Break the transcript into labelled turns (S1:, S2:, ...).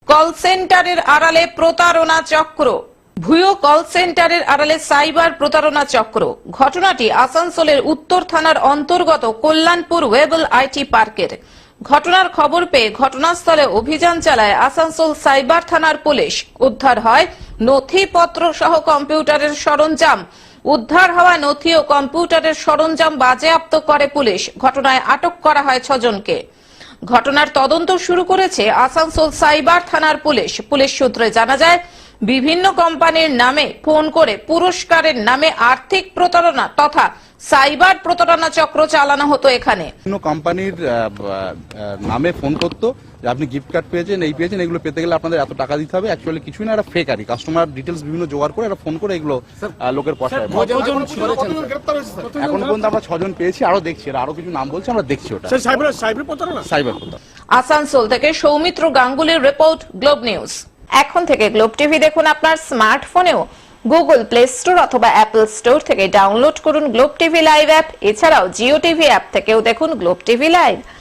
S1: Call সেন্টারের আড়ালে প্রতারণা চক্র। ভুয়ো কল সেন্টারের আড়ালে সাইবার প্রতারণা চক্র। ঘটনাটি আসানসোলের উত্তর থানার অন্তর্গত কল্যাণপুর ওয়েবল আইটি পার্কের। ঘটনার খবর পেয়ে ঘটনাস্থলে অভিযান চালায় আসানসোল সাইবার থানার পুলিশ। উদ্ধার হয় নথিপত্র সহ কম্পিউটারের সরঞ্জাম। উদ্ধার হওয়া নথি ও কম্পিউটারের সরঞ্জাম বাজেয়াপ্ত করে পুলিশ। ঘটনায় আটক করা হয় 6 জনকে। ঘটনার তদন্ত শুরু করেছে আসানসোল সাইবার থানার পুলিশ। পুলিশ সূত্রে জানা যায়, বিভিন্ন কোম্পানির নামে ফোন করে পুরস্কারের নামে আর্থিক প্রতারণা তথা সাইবার প্রতারণা চক্র চালানো হতো এখানে।
S2: বিভিন্ন কোম্পানির নামে ফোন করতো যে আপনি গিফট কার্ড পেয়েছেন, এই পেয়েছেন, এগুলো পেতে গেলে আপনাদের এত টাকা দিতে হবে। অ্যাকচুয়ালি কিছুই না, এটা ফেক আর কি। কাস্টমার ডিটেলস বিভিন্ন জোগাড় করে এটা ফোন করে এগুলো লোকের পয়সায়। এখন পর্যন্ত আমরা 6 জন পেয়েছি, আরো দেখছি, আরো কিছু নাম বলছে, আমরা দেখছি ওটা সাইবার প্রতারণা।
S1: আসানসোল থেকে সৌমিত্র গাঙ্গুলির রিপোর্ট, গ্লোব নিউজ। এখন থেকে গ্লোব টিভি দেখুন আপনার স্মার্টফোনেও। গুগল প্লে স্টোর অথবা অ্যাপল স্টোর থেকে ডাউনলোড করুন গ্লোব টিভি লাইভ অ্যাপ। এছাড়াও জিও টিভি অ্যাপ থেকেও দেখুন গ্লোব টিভি লাইভ।